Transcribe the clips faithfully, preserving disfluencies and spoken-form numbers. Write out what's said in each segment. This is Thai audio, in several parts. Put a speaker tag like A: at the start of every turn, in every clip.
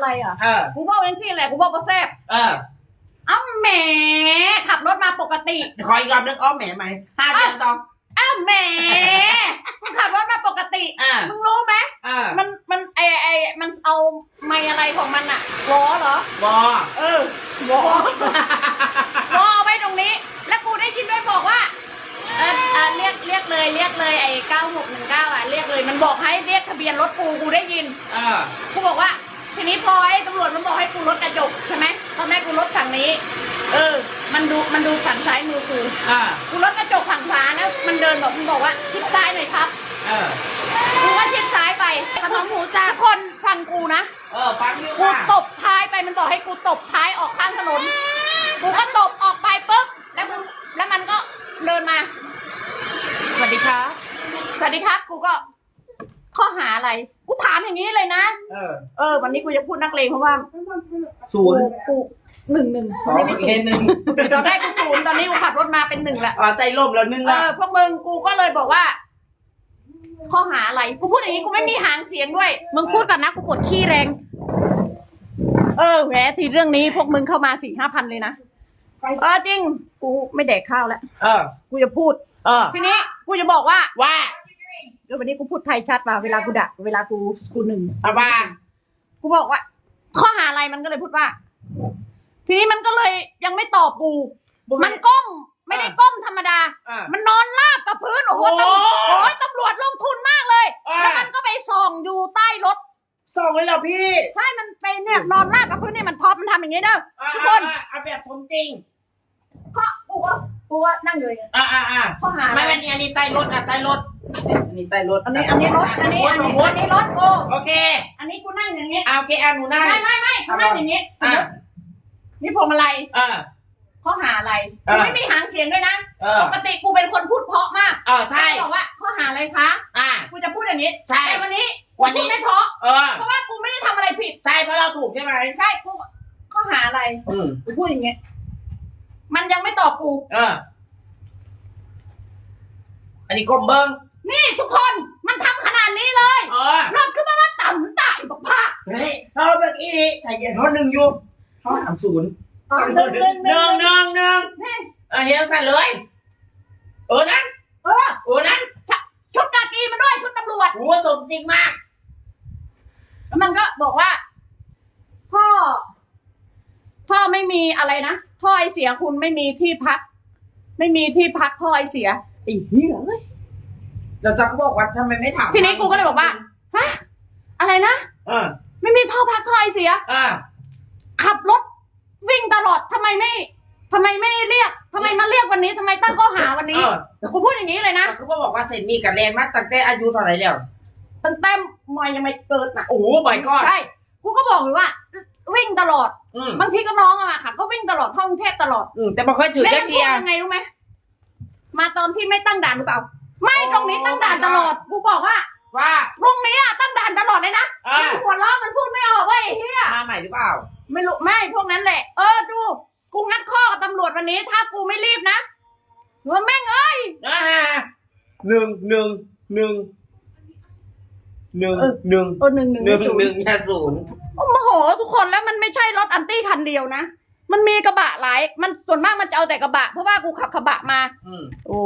A: อะไรอ่ะ
B: เออ
A: กูบอกเองสิแหละกูบอกว่าแซ่บ
B: เออ
A: เอ้าแหมขับรถมาปกติ
B: ขออีกรอบนึงอ้อมแหมไหมห้าเดือนต่อ
A: เอ้าแหมมึงขับรถมาปกติ
B: อ่า
A: มึงรู้ไหม
B: อ่า
A: มันมันไอไอมันเอาไม้อะไรของมันอะวอเหรอ
B: บอ
A: เออวอวอไว้ตรงนี้ แล้วกูได้ยินด้วยบอกว่าเออเออเรียกเรียกเลยเรียกเลยไอ้เก้าหกหนึ่งเก้าอ่ะเรียกเลยมันบอกให้เรียกทะเบียนรถกูกูได้ยิน
B: เออ
A: กูบอกว่าทีนี้พอไอ้ตำรวจมันบอกให้กูลดกระจกใช่ไหมตอนแรกกูลดฝั่งนี้ เออ มันดูมันดูฝั่งซ้ายมือกู
B: อ่า
A: กูลดกระจกฝั่งขวานะมันเดินบอกมันบอกว่าชิดซ้ายหน่อยครับ
B: เออ
A: กูก็ชิดซ้ายไปขนมหมูซาคนฟังกูนะ
B: เออฟังอยู่
A: กู
B: ว่า
A: ตบท้ายไปมันบอกให้กูตบท้ายออกข้างถนนกูก็ตบออกไปปุ๊บแล้วกูแล้วมันก็เดินมาสวัสดีครับสวัสดีครับกูก็ข้อหาอะไรกูถามอย่างนี้เลยนะ
B: เออ
A: เออวันนี้กูจะพูดนักเลงเพราะว่า
B: ศูนย์
A: กูหนึ่งหนึ่ง
B: อ๋อ
A: ไม่
B: โอ
A: ศู
B: เคน
A: ย์
B: หนึ่ง
A: ตอนแรกกูศูนย์ตอนนี้กูขับรถมาเป็นหนึ่งละ
B: อ๋อใจล่มแล้วนึ่ง
A: เอ
B: ละ
A: อพวกมึงกูก็เลยบอกว่า ข้อหาอะไรกูพูดอย่างนี้กูไม่มีหางเสียงด้วย
C: มึงพูดก่อนนะกูปวดขี้แรง
A: เออแหมทีเรื่องนี้พวกมึงเข้ามาสี่ห้าพันเลยนะเออจริงกูไม่แดกข้าวแล้ว
B: เออ
A: กูจะพูด
B: เออ
A: ทีนี้กูจะบอกว่า
B: ว่า
A: เดี๋ยววันนี้กูพูดไทยชัดมาเวลากูด่าเวลากูกูหนึ่ง
B: เอาว่า
A: กูบอกว่า ข้อหาอะไรมันก็เลยพูดว่า ทีนี้มันก็เลยยังไม่ตอบกูมันก้มไม่ได้ก้มธรรมดา
B: อ่า
A: มันนอนราบกับพื้นโอ้โห
B: โอ้
A: ตำโอ้ยตำรวจลงทุนมากเลย
B: อ่า
A: แล้วมันก็ไปส่องอยู่ใต้รถ
B: ส่งไว้แล้วพี่
A: ใช่มันไปเนี่ยนอนราบกับพื้นเนี่ยมันท็อปมันทำอย่างนี้เด้อทุกคน
B: อ่าเอาแบบผมจริง
A: ก็กูว่ากูว่านั่งอยู่อย่างเงี้ย
B: อ่าอ่าอ่า
A: ข้อหาอะไร
B: ไม่เป็นอันนี้ใต้รถอ่ะใต้รถอันนี้ใต้รถ
A: อันนี้อันนี้รถอันนี้อัน
B: สม
A: นี้
B: ม
A: อั
B: ติ
A: นนี้รถกู
B: โอเค
A: อันนี้กูนั่งอย่างเงี้ย
B: เอาโอเคอ่ะหนูนั่ง
A: ไม่ไม่ไม่กูนั่งอย่างเงี้ย
B: อ่า
A: นี่พวงมาลัย
B: อ่า
A: ข้อหาอะไร
B: อ่า
A: กูไม่มีหางเสียงด้วยนะ
B: เออ
A: ปกติกูเป็นคนพูดเพราะมาก
B: เออใช่
A: บอกว่าข้อหาอะไรคะ
B: อ่า
A: กูจะพูดอย่างนี้
B: ใช่
A: แต่วันนี้
B: วันนี้
A: กูพูดไม่เพราะ
B: เออ
A: เพราะว่ากูไม่ได้ทำอะไรผิด
B: ใช่เพราะเราถูกใช่ไหม
A: ใช่กูข้อหาอะไร
B: อืม
A: กูพูดอย่างเงี้ยมันยังไม่ตอบกู
B: เออ อันนี้กลมเบิ้ง
A: นี่ทุกคนมันทำขนาดนี้เลย
B: เออ
A: รถขึ้นมาว่าต่ำต่บอกผ้า
B: เฮ้ยเราเมื่อกี้นี้ใส่เย็นเขาหนึ่งอยู่เขาสามศูนย์
A: หนึ่งหนึ่งห
B: ห
A: นึ่
B: นึ่
A: ง
B: งหนึ่งหนึ่งเออเฮียสั่นเลย เออนั้น
A: เออ
B: เออนั้น
A: ชุดกากีมาด้วยชุดตำรวจ
B: โหัวสมจริงมาก
A: แล้วมันก็บอกว่า พ่อ พ่อไม่มีอะไรนะท่อไอเสียคุณไม่มีที่พัก ไม่มีที่พักท่อไอเสียไอ้เหี้ยเอ้ย
B: เราจะก็บอกว่าทำไมไม่ถาม
A: ทีนี้กูก็เลยบอกว่าฮะอะไรนะ
B: เออ
A: ไม่มีท่อพักท่อไอเสีย
B: เออ
A: ขับรถวิ่งตลอดทำไมไม่ทำไมไม่เรียกทำไมมาเรียกวันนี้ทำไมตั้งข้อหาวันนี้
B: เออ
A: กูพูดอย่างนี้เลยนะ
B: เขาก็บอกว่าเซนมีกับแรงมากตั้งแต่อายุเท่าไหร่แล้ว
A: ตั้งแต่มอยยังไม่เกิดน่ะ
B: โอ้โหบ่อยก็
A: ใช่กูก็บอกเลยว่า วิ่งตลอด
B: อืม
A: บางทีก็น้องอะค่ะก็วิ่งตลอดท่องเทพตลอด
B: อืมแต่บอกค่อยถือ
A: แล้ว
B: แค่
A: มันพู
B: เที
A: ด
B: ย
A: ยังไงรู้ไหมมาตอนที่ไม่ตั้งด่านหรือเปล่า ไม่ตรงนี้ตั้งด่านตลอด กูบอกว่า
B: ว่า
A: ตรงนี้อะตั้งด่านตลอดเลยนะ
B: อ่า
A: มันหัวเราะมันพูดไม่ออกเว้ยไอ้เฮีย
B: มาใหม่หรือเปล่า
A: ไม่รู้ไม่พวกนั้นแหละ เออดู กูงัดข้อกับตำรวจวันนี้ ถ้ากูไม่รีบนะว่าแม่งเอ้ย
B: อ่าหนึ่งหนึ่งหนึ่งหนึ่ง
A: เออ
B: หนึ่ง
A: เออหนึ่งหนึ่ง
B: หนึ่ง
A: ศูน
B: หนึ่ง
A: ย์
B: แค่ศูนย์
A: โอ้โมโหทุกคนแล้วมันไม่ใช่รถอันตี้คันเดียวนะ มันมีกระบะหลาย มันส่วนมากมันจะเอาแต่กระบะ เพราะว่ากูขับกระบะมา
B: อืม
A: โอ้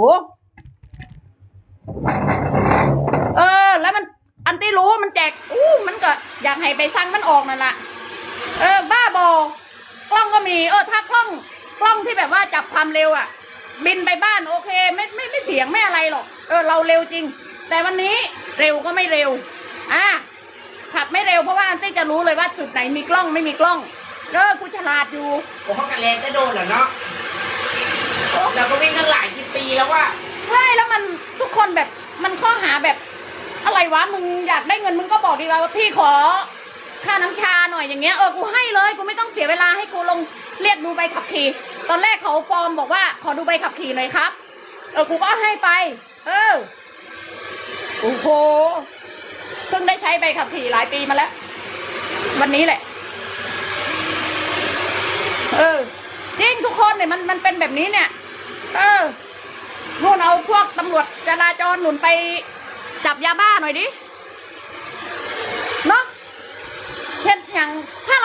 A: เออ แล้วมันอันตี้รู้มันแจก อู้มันก็อยากให้ไปสั่งมันออกนั่นแหละเออ บ้าบอกล้องก็มี เออ ถ้ากล้อง กล้องที่แบบว่าจับความเร็วอ่ะ บินไปบ้านโอเค ไม่ไม่ไม่เถียงไม่อะไรหรอก เออ เราเร็วจริง แต่วันนี้เร็วก็ไม่เร็ว อ่ะขับไม่เร็วเพราะว่าอันตี้จะรู้เลยว่าจุดไหนมีกล้องไม่มีกล้อง เออ กูฉลาดอยู่
B: ผมเขากันแรงได้โดนเหรอเนาะเราก็วิ่งตั้งหลายกี่ปีแล้วว่า
A: ใช่แล้วมันทุกคนแบบมันข้อหาแบบ อะไรวะมึงอยากได้เงินมึงก็บอกดีว่าพี่ขอค่าน้ำชาหน่อยอย่างเงี้ยเออกูให้เลยกูไม่ต้องเสียเวลาให้กูลงเรียกดูใบขับขี่ตอนแรกเขาฟอร์มบอกว่าขอดูใบขับขี่หน่อยครับเออกูก็ให้ไป เออโอ้โหเพิ่งได้ใช้ใบขับขี่หลายปีมาแล้ว วันนี้แหละ เออจริงทุกคนเนี่ยมันมันเป็นแบบนี้เนี่ย เออนู่นเอาพวกตำรวจจราจรหนุนไปจับยาบ้าหน่อยดิเนาะเช่นอย่างถ้า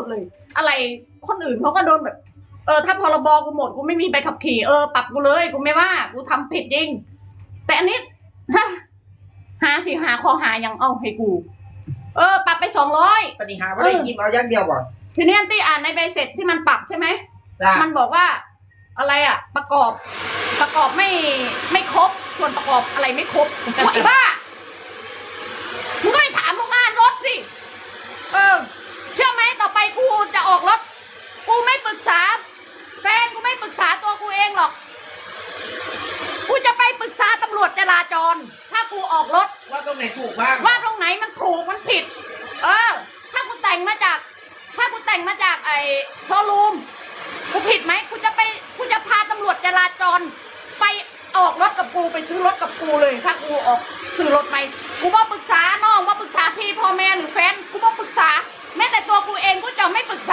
A: ดเลย อะไรคนอื่นเขาก็โดนแบบ เออถ้าพรบกูหมดกูไม่มีใบขับขี่เออปรับกูเลยกูไม่ว่ากูทำผิดจริงแต่อันนี้ฮะหาสิหาข้อหายังเอาให้กู เออปรับไปสองร้อย
B: ปฏิหารไม่ได้ยิบเอาอย่างเดียวบ่
A: ทีนี้อันตี้อ่านในใบเสร็จที่มันปรับใช่ไหม
B: จ้า
A: มันบอกว่า อะไรอ่ะ ประกอบ ประกอบไม่ไม่ครบส่วนประกอบอะไรไม่ครบไอ้บ้ามึงก็ไปถามโรงงานรถสิเออ เชื่อไหมต่อไปกูจะออกรถกูไม่ปรึกษาแฟนกูไม่ปรึกษาตัวกูเองหรอกกูจะไปปรึกษาตำรวจจราจร ถ้ากูออกรถ
B: ว่าตรงไหนถูกบ้าง
A: ว่าตรงไหนมันถูกมันผิด เออ ถ้ากูแต่งมาจาก ถ้ากูแต่งมาจากไอ้โชว์รูมกูผิดไหมกูจะไปกูจะพาตำรวจจราจร ไปออกรถกับกูไปซื้อรถกับกูเลย ถ้ากูออกซื้อรถไหมกูว่าปรึกษาน้องว่าปรึกษาพี่พ่อแม่หรือแฟนกูว่าปรึกษาแม้แต่ตัวกูเองกูจะไม่ปรึก